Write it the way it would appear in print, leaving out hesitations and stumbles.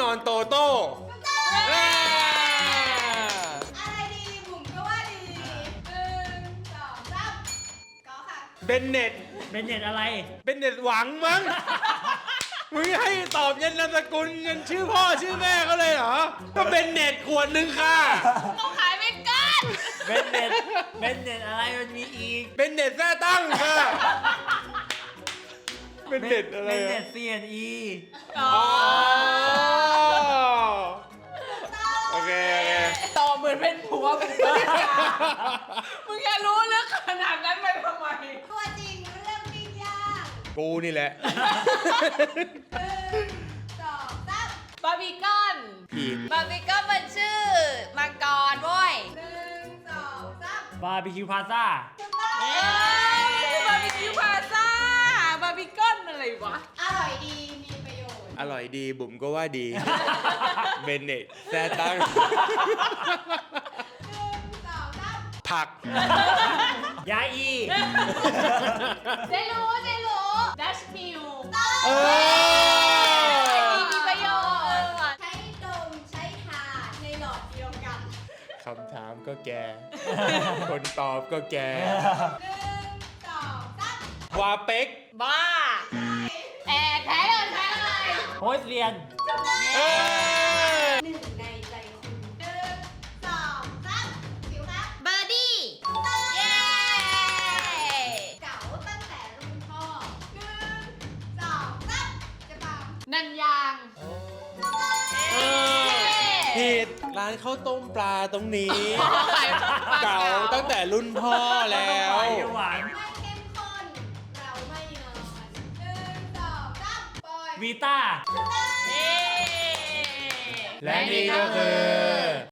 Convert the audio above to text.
อนโตโต้อะไรดีบุ๋มก็ว่าดี1 2 3ก็ค่ะเบนเน็ตเป็นเน็ตอะไรเบนเน็ตหวังมั้ง มึงให้ตอบยันนามสกุลยันชื่อพ่อชื่อแม่เขาเลยเหรอ ก็เบนเน็ตขวดหนึ่งค่ะต้องขายไม่กันเป็นเน็ตเป็นเน็ตอะไรมันมีอีกเบนเน็ตแท้ตั้งค่ะ เบนเน็ตอะไรเป็นอะเน็ต CNE อ๋อโอเคโอเคตอบเหมือนเป็นผัวมึงมึงจะรู้เรื่องขนาดนั้นไปทำไมตัวจริงเรื่องปิ้งย่างกูนี่แหละ 1 2 3 บาร์บีคอนผิดบาร์บีคอนมันชื่อมังกรเว้ย 1 2 3 บาร์บีคิวพาซ่าถูกต้องเอ้ยบาร์บีคิวพาซ่าบาร์บีคอนอะไรวะอร่อยดีมีประโยชน์อร่อยดีบุ๋มก็ว่าดี เบนเน็ตแท้ตั้ง 1 2 3 ผักยาอีเจรู้ดัชมิลเออมีประโยชน์ใช้ดมใช้ทาในหลอดเดียวกันคำถามก็แก คนตอบก็แก 1 2 3 วาเป็กบ้าแอบแท้เลยแท้เลยโฮสเรียนเอ้ยหนึ่งในใจคุณ1 2 3ผิวครับเบอร์ดี้เย้เก๋าตั้งแต่รุ่นพ่อ1 2 3จะตามนันยางเออผิดร้านข้าวต้มปลาตรงนี้ขายปลาเก่าตั้งแต่รุ่นพ่อแล้วไปหวานไม่เข้มข้นเราไม่นอน1 2 3ปล่อยวีต้าเย้และนี่ก็คือ